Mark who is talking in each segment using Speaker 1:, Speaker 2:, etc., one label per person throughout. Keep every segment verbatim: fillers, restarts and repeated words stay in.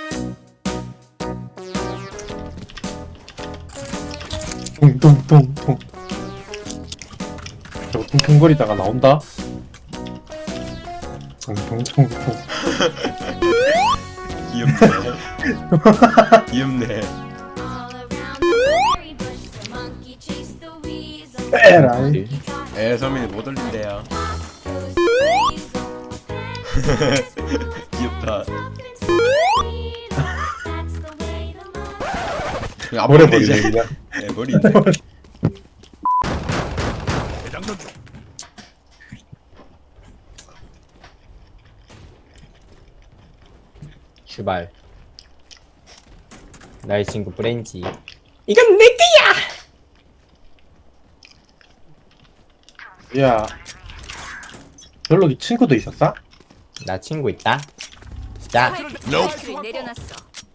Speaker 1: 퉁퉁퉁퉁. 저거 퉁퉁거리다가 나온다. 퉁퉁퉁퉁.
Speaker 2: 귀엽네. 귀엽네.
Speaker 1: 에라이.
Speaker 2: 에 서민이 못 올린대요. 귀엽다. 아,
Speaker 1: 머리
Speaker 2: 머리 이제.
Speaker 1: 버리네.
Speaker 2: 네, 머리인데.
Speaker 3: 슈발. 나의 친구 브렌지. 이건 내 거야.
Speaker 1: 야. 별로 친구도 있었어?
Speaker 3: 나 친구 있다. 자,
Speaker 4: 스파이크를 내려놨어.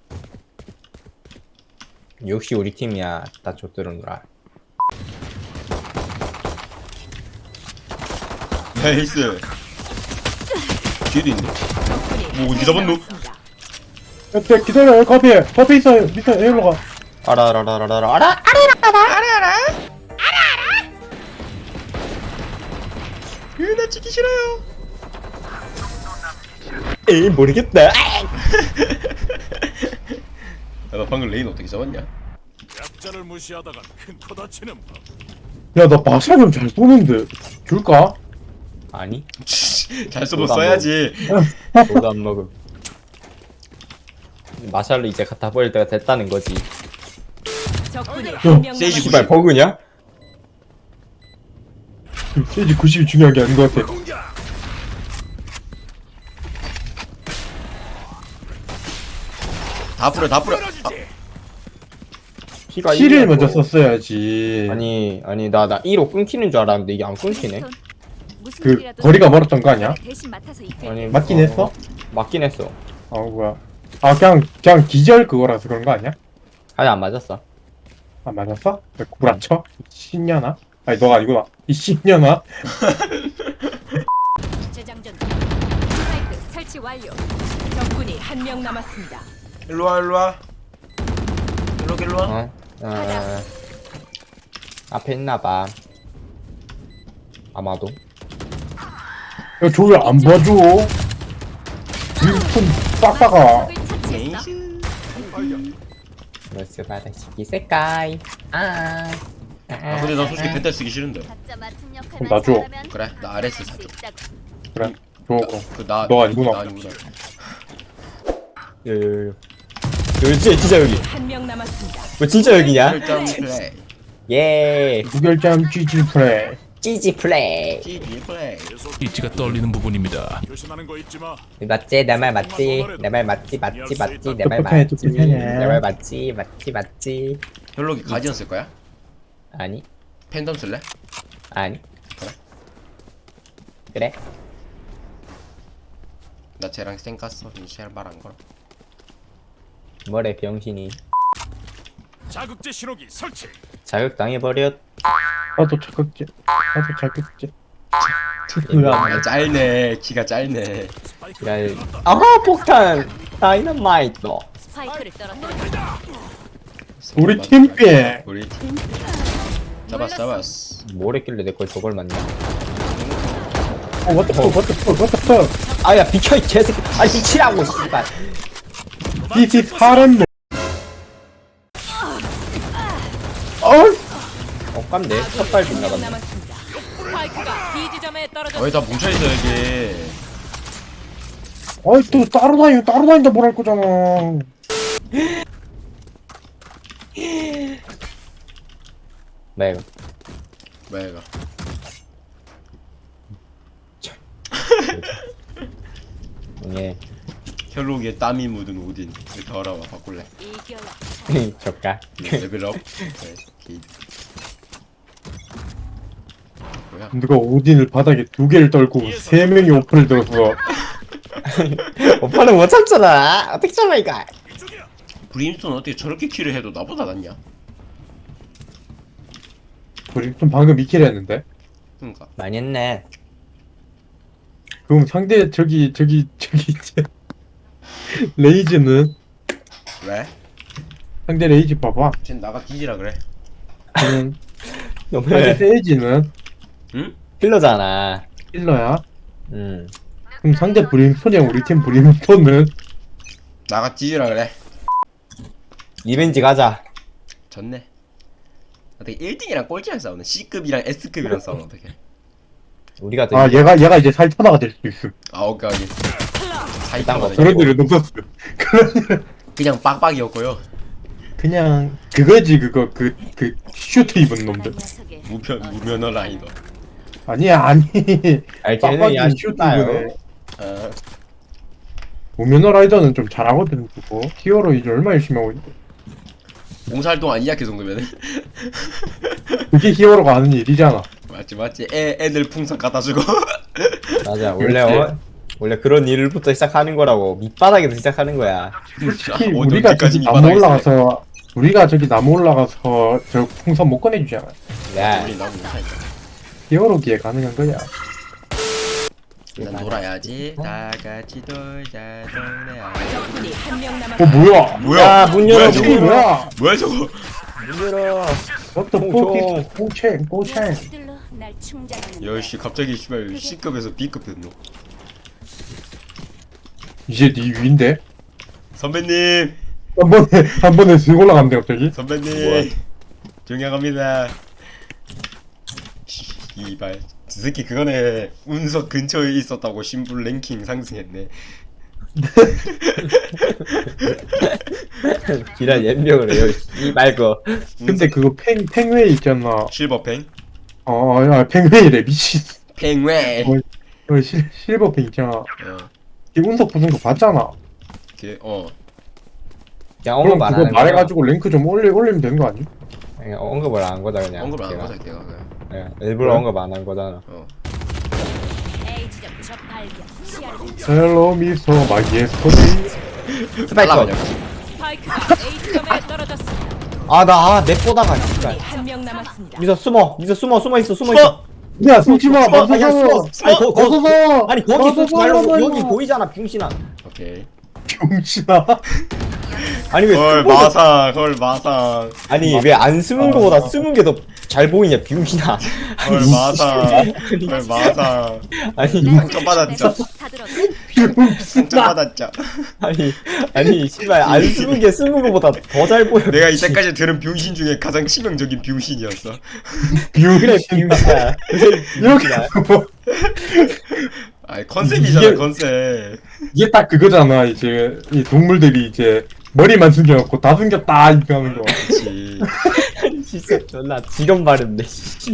Speaker 3: 역시 우리 팀이야. 다 좆들어놀아.
Speaker 2: 나이스. 뒤에도 있네. 오, 이게 잡았노?
Speaker 1: 야, 야, 기다려. 커피. 커피 있어. 밑에 일로 가.
Speaker 3: 알아 알아 알아 알아 알아.
Speaker 2: 으, 나 찍기 싫어요.
Speaker 3: 에이 모르겠다.
Speaker 2: 야, 나 방금 레인 어떻게 잡았냐?
Speaker 5: 약자를 무시하다가 큰 코 다치는 법.
Speaker 1: 야, 나 마샬은 잘 쏘는데. 줄까?
Speaker 3: 아니,
Speaker 2: 잘 써보 써야지.
Speaker 3: 너도 안 먹음. 마샬로 이제 갖다 버릴 때가 됐다는 거지.
Speaker 4: 적군이 한명
Speaker 2: 세이지
Speaker 3: 씨발 버그냐?
Speaker 1: 세이지 구십이 중요한 게 아닌 것 같아.
Speaker 2: 다 뿌려, 다 뿌려. 아,
Speaker 3: 피가
Speaker 1: 칠을
Speaker 3: 일이야,
Speaker 1: 먼저
Speaker 3: 그거.
Speaker 1: 썼어야지.
Speaker 3: 아니 아니 나 나 일호 끊기는 줄 알았는데 이게 안 끊기네.
Speaker 1: 그 거리가 멀었던 거 아니야?
Speaker 4: 대신 맡아서
Speaker 3: 아니
Speaker 1: 맞긴
Speaker 3: 어,
Speaker 1: 했어?
Speaker 3: 맞긴 했어.
Speaker 1: 아, 뭐야. 아, 그냥 그냥 기절 그거라서 그런 거 아니야?
Speaker 3: 아니 안 맞았어.
Speaker 1: 아, 맞았어? 왜 구라쳐? 신년아? 아니, 너가 아니구나. 이 신년아?
Speaker 4: 재장전. 스파이크 설치 완료. 적군이 한 명 남았습니다.
Speaker 2: 일로 와, 일로 와. 일로 와, 일로 와.
Speaker 3: 어? 어... 앞에 있나봐. 아마도.
Speaker 1: 야, 저 왜 안 봐줘? 윈폰 빡빡아.
Speaker 4: 적을 처치했어.
Speaker 3: 로스 바다시기 색깔. 아.
Speaker 2: 아, 근데 나 솔직히 벤탈 쓰기 싫은데.
Speaker 4: 각자 맡은 역할을
Speaker 1: 그럼 나 줘.
Speaker 4: 잘하면
Speaker 2: 그래, 나 아레스
Speaker 4: 할수
Speaker 2: 사줘.
Speaker 4: 있다고.
Speaker 1: 그래, 줘, 그럼.
Speaker 2: 그 나,
Speaker 1: 너 아니구나.
Speaker 2: 나 아니구나.
Speaker 3: 요요요. 여기 진짜 진짜 여기.
Speaker 4: 한 명 남았습니다.
Speaker 3: 뭐 진짜 여기냐?
Speaker 2: 일단 플레이.
Speaker 3: 예.
Speaker 1: 무결점 쥐지 플레이.
Speaker 3: 찌지 플레이.
Speaker 2: 찌기 플레이.
Speaker 5: 계속
Speaker 6: 이치가 떨리는 부분입니다.
Speaker 5: 조심하는 거 잊지 마.
Speaker 3: 맞지? 내 말 맞지? 내 말 맞지? 맞지? 맞지? 내 말
Speaker 1: 똑똑하네,
Speaker 3: 맞지?
Speaker 1: 똑똑하네.
Speaker 3: 내 말 맞지? 맞지? 맞지?
Speaker 2: 혈록이 가디언 쓸 거야?
Speaker 3: 아니
Speaker 2: 팬덤 쓸래?
Speaker 3: 아니.
Speaker 2: 그래?
Speaker 3: 그래?
Speaker 2: 나 쟤랑 쌩 깠어. 이제 말안 걸어.
Speaker 3: 뭐래 병신이.
Speaker 5: 자극제 신호기 설치.
Speaker 3: 자극 당해버렸.
Speaker 1: 나도 자극제. 나도 자극제.
Speaker 2: 아, 짧네. 키가 짧네.
Speaker 3: 야, 아 폭탄 다이너마이트.
Speaker 4: 스파이크를 떨어뜨려.
Speaker 1: 우리 팀빼.
Speaker 2: 우리 팀. 잡았어, 잡았어.
Speaker 3: 뭘 했길래 내 걸 저걸 맞냐?
Speaker 1: 어, what the fuck, what the fuck, what the fuck.
Speaker 3: 아야 비켜 이 개새끼. 아 미치라고 씨발.
Speaker 1: This is harem. 어?
Speaker 3: 억감네. 첫발
Speaker 4: 한 명
Speaker 3: 빗나갔네.
Speaker 4: 남았습니다. 스파이크가 B 지점에 떨어졌습니다.
Speaker 2: 어이, 다 뭉쳐있어, 여기.
Speaker 1: 아이, 또 따로 다니고 따로 다닌다 뭘 할 거잖아.
Speaker 3: 뭐야 이거?
Speaker 2: 뭐야, 이거.
Speaker 3: 예.
Speaker 2: 혈록에 땀이 묻은 오딘. 이렇게 알아봐, 바꿀래.
Speaker 4: 이겨라.
Speaker 3: 저까.
Speaker 2: 레벨업. 네, 게이드. 뭐야?
Speaker 1: 누가 오딘을 바닥에 두 개를 떨고 세 명이 오픈을 들었어.
Speaker 3: 오빠는 못 참잖아. 어떻게 참아 이거?
Speaker 2: 브림스톤 어떻게 저렇게 킬을 해도 나보다 낫냐?
Speaker 1: 우리 좀 방금 이 킬 했는데.
Speaker 2: 그니까.
Speaker 3: 많이 했네.
Speaker 1: 그럼 상대 저기 저기 저기 레이즈는
Speaker 2: 왜?
Speaker 1: 상대 레이지 봐봐.
Speaker 2: 쟨 나가 뒤지라 그래.
Speaker 1: 저는 상대
Speaker 3: 너네
Speaker 1: 세이지는
Speaker 2: 응?
Speaker 3: 힐러잖아.
Speaker 1: 힐러야.
Speaker 3: 음.
Speaker 1: 그럼 상대 브림스톤이랑 우리 팀 브림스톤은
Speaker 2: 나가 뒤지라 그래.
Speaker 3: 리벤지 가자.
Speaker 2: 졌네. 어떻게 일 등이랑 꼴찌랑 싸우는 C급이랑 S급이랑 싸우는 어떻게?
Speaker 3: 우리가 더
Speaker 1: 아
Speaker 3: 이겨.
Speaker 1: 얘가 얘가 이제 살타다가 될 수도 있음.
Speaker 2: 아 오케이 오케이.
Speaker 3: 딴
Speaker 2: 사이타가
Speaker 3: 거.
Speaker 1: 그런 일은 없었어. 그런 일은
Speaker 2: 그냥 빡빡이었고요.
Speaker 1: 그냥 그거지 그거 그 그 슈트 입은 놈들.
Speaker 2: 무편 무면허 라이더.
Speaker 1: 아니야 아니.
Speaker 3: 알겠네.
Speaker 1: 빡빡이
Speaker 3: 야,
Speaker 1: 슈트
Speaker 3: 쉽다요.
Speaker 1: 입은 애.
Speaker 2: 아
Speaker 1: 우면허 라이더는 좀 잘하거든 그거. 히어로 이제 얼마 열심히 하고 있는데.
Speaker 2: 봉사활동 아니야 그 정도면은?
Speaker 1: 그게 히어로가 하는 일이잖아.
Speaker 2: 맞지 맞지. 애 애들 풍선 갖다 주고.
Speaker 3: 맞아. 원래
Speaker 1: 그렇지.
Speaker 3: 어, 원래 그런 일부터 시작하는 거라고. 밑바닥에서 시작하는 거야.
Speaker 1: 특히
Speaker 2: 어디-
Speaker 1: 우리가
Speaker 2: 어디까지
Speaker 1: 저기
Speaker 2: 이
Speaker 1: 나무
Speaker 2: 바닥에
Speaker 1: 올라가서 우리가 저기 나무 올라가서 저 풍선 못 꺼내주잖아.
Speaker 3: 야.
Speaker 2: 우리 나무 못하니까.
Speaker 1: 히어로기에 가능한 거야.
Speaker 2: 난 놀아야지. 다 같이 놀자 놀아야지.
Speaker 4: 적군이 한 명
Speaker 1: 어
Speaker 4: 남았습니다.
Speaker 1: 뭐야?
Speaker 2: 뭐야?
Speaker 3: 야, 문 열어,
Speaker 2: 뭐야
Speaker 3: 문
Speaker 2: 저거?
Speaker 1: 이게
Speaker 3: 열어.
Speaker 1: 뭐야?
Speaker 2: 뭐야 저거?
Speaker 3: 문 열어.
Speaker 1: 어떤
Speaker 3: 총,
Speaker 1: 포키
Speaker 3: 총.
Speaker 1: 꼬챙 꼬챙.
Speaker 4: 들로 날 충전하는
Speaker 2: 야씨 갑자기 씨발 C급에서 B급 됐노.
Speaker 1: 이제 네 위인데?
Speaker 2: 선배님
Speaker 1: 한 번에 한 번에 슥 올라간대 갑자기.
Speaker 2: 선배님
Speaker 3: 뭐야?
Speaker 2: 존경합니다. 이발 저 새끼 그거네. 운석 근처에 있었다고 신분 랭킹 상승했네.
Speaker 3: 기란 연명을 해요. 이 말고.
Speaker 1: 근데 그거 팽 팽웨 있잖아.
Speaker 2: 실버팽?
Speaker 1: 어, 야 팽웨이래 미친.
Speaker 2: 팽웨.
Speaker 1: 어, 어 실 실버 팽 있잖아.
Speaker 2: 어.
Speaker 1: 이 운석 부순 거 봤잖아.
Speaker 2: 걔 어.
Speaker 3: 그냥
Speaker 1: 그럼
Speaker 3: 언급 안
Speaker 1: 그거
Speaker 3: 하는 거야.
Speaker 1: 말해가지고 랭크 좀 올리 올리면 되는 거 아니?
Speaker 3: 그냥 언급을 안 한 거다 그냥.
Speaker 2: 언급 안
Speaker 3: 걔가.
Speaker 2: 하자 걔가 그냥.
Speaker 3: 예, 일부러
Speaker 1: 그래?
Speaker 3: 언급 안 한 거잖아.
Speaker 2: 어.
Speaker 4: A 지점 적 발견. 시야를
Speaker 1: 헬로 미소 마기의 스토리.
Speaker 3: 스파이커.
Speaker 2: 그냥.
Speaker 4: 스파이크가 A 지점에 떨어졌습니다.
Speaker 3: 아, 나, 아, 내 보다가, 진짜.
Speaker 4: 한 명 남았습니다.
Speaker 3: 미서 숨어, 미서 숨어, 숨어 있어, 숨어 있어.
Speaker 1: 야 숨지마
Speaker 3: 숨어, 아니,
Speaker 1: 멈춰서
Speaker 3: 숨어. 아니, 거, 거,
Speaker 1: 멈춰서
Speaker 3: 아니, 거기 숨지 말고, 여기 보이잖아, 병신아.
Speaker 2: 오케이.
Speaker 1: 병신아.
Speaker 3: 아니, 왜,
Speaker 2: 헐
Speaker 3: 숨어서-
Speaker 2: 마상 헐 마상
Speaker 3: 아니, 왜 안 숨은 거보다 숨은 게 더 잘 보이냐, 병신아.
Speaker 2: 헐 마상 헐 마상
Speaker 3: 아니,
Speaker 2: 상처받았죠.
Speaker 4: 다 들었어.
Speaker 1: 병신아.
Speaker 2: 상처받았죠.
Speaker 3: 아니, 아니, 씨발, 안 숨은 게 숨은 거보다 더 잘 보여.
Speaker 2: 내가 이때까지 들은 병신 중에 가장 치명적인 병신이었어.
Speaker 3: 그래,
Speaker 1: 병신아.
Speaker 3: 병신아. 그래, 병신아.
Speaker 1: 여기서
Speaker 2: 아니 컨셉이잖아
Speaker 1: 이게-
Speaker 2: 컨셉.
Speaker 1: 이게 딱 그거잖아. 이제 이 동물들이 이제 머리만 숨겨놓고 다 숨겼다 이렇게 하는 거.
Speaker 2: 그렇지.
Speaker 3: 진짜 존나 지금 바른데 씨.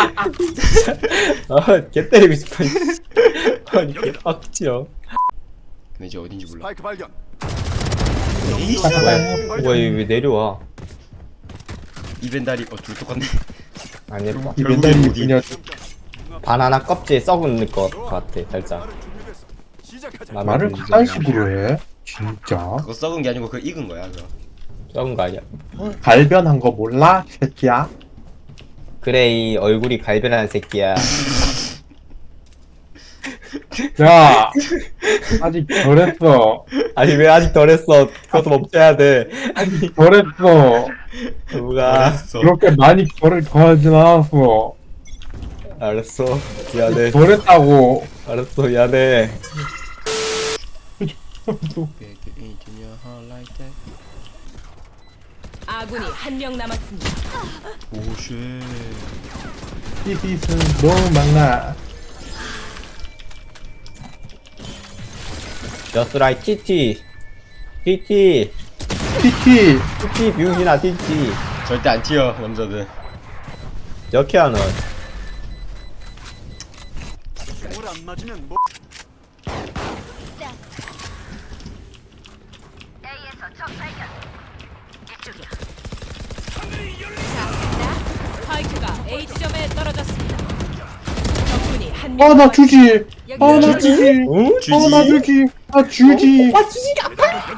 Speaker 3: 아개 때리고 싶어 씨. 아니 개 빡치어.
Speaker 2: 근데 이제 어딘지 몰라.
Speaker 5: 스파이크 발견.
Speaker 2: 에이스.
Speaker 3: 뭐야 뭐야 왜 내려와.
Speaker 2: 이벤다리 어둘 똑같네.
Speaker 3: 안 예뻐.
Speaker 1: 이
Speaker 2: 결국엔
Speaker 1: 멘탈이
Speaker 2: 어디?
Speaker 1: 그냥
Speaker 3: 바나나 껍질 썩은 것 같아 살짝.
Speaker 5: 말을 준비됐어. 시작하자.
Speaker 3: 마음에
Speaker 1: 말을
Speaker 3: 들지
Speaker 1: 그딴
Speaker 3: 않아.
Speaker 1: 식으로 해. 진짜.
Speaker 2: 그거 썩은 게 아니고 그거 익은 거야 그거.
Speaker 3: 썩은 거 아니야?
Speaker 1: 갈변한 거 몰라? 이 새끼야.
Speaker 3: 그래 이 얼굴이 갈변한 새끼야.
Speaker 1: 야 아직 덜했어.
Speaker 3: 아니 왜 아직 덜했어? 그것도 멈춰야 돼. 아니
Speaker 1: 덜했어.
Speaker 3: 누가?
Speaker 2: 알았어.
Speaker 1: 그렇게 많이 덜을 더하진 않았어.
Speaker 3: 알았어 미안해.
Speaker 1: 덜했다고.
Speaker 3: 알았어 미안해.
Speaker 4: 아군이 한 명 남았습니다.
Speaker 2: 오쉣.
Speaker 1: 히히스 너무 많아.
Speaker 3: Just like 티티. 티티.
Speaker 1: 티티.
Speaker 3: 티티 병신아 티티.
Speaker 2: 절대 안 튀어 남자들.
Speaker 3: 역해야 넌.
Speaker 5: 물안 맞으면 뭐
Speaker 4: 스파이크가 A 지점에 떨어졌습니다. 적군이 한 명
Speaker 1: 아 나
Speaker 4: 남았습니다.
Speaker 1: 주지.
Speaker 4: 여기
Speaker 1: 아 나
Speaker 4: 있습니다.
Speaker 1: 주지.
Speaker 3: 응?
Speaker 2: 주지.
Speaker 1: 아 나 주지. 아 주지.
Speaker 3: 아 주지가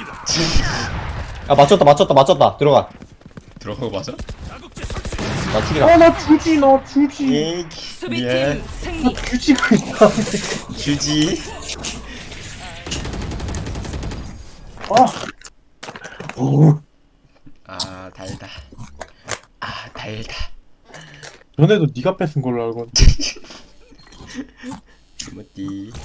Speaker 3: 아 맞췄다 맞췄다 맞췄다 들어가.
Speaker 2: 들어간 거 맞아?
Speaker 5: 자극제 설치.
Speaker 3: 나 죽이라.
Speaker 1: 아 나 주지 나 주지.
Speaker 2: 에이,
Speaker 4: 수비팀
Speaker 2: 예.
Speaker 4: 승리.
Speaker 1: 주지가 있다.
Speaker 2: 주지.
Speaker 1: 아 오,
Speaker 2: 아 달다. 아 달다.
Speaker 1: 전에도 네가 뺏은 걸로 알고.
Speaker 2: 이모띠.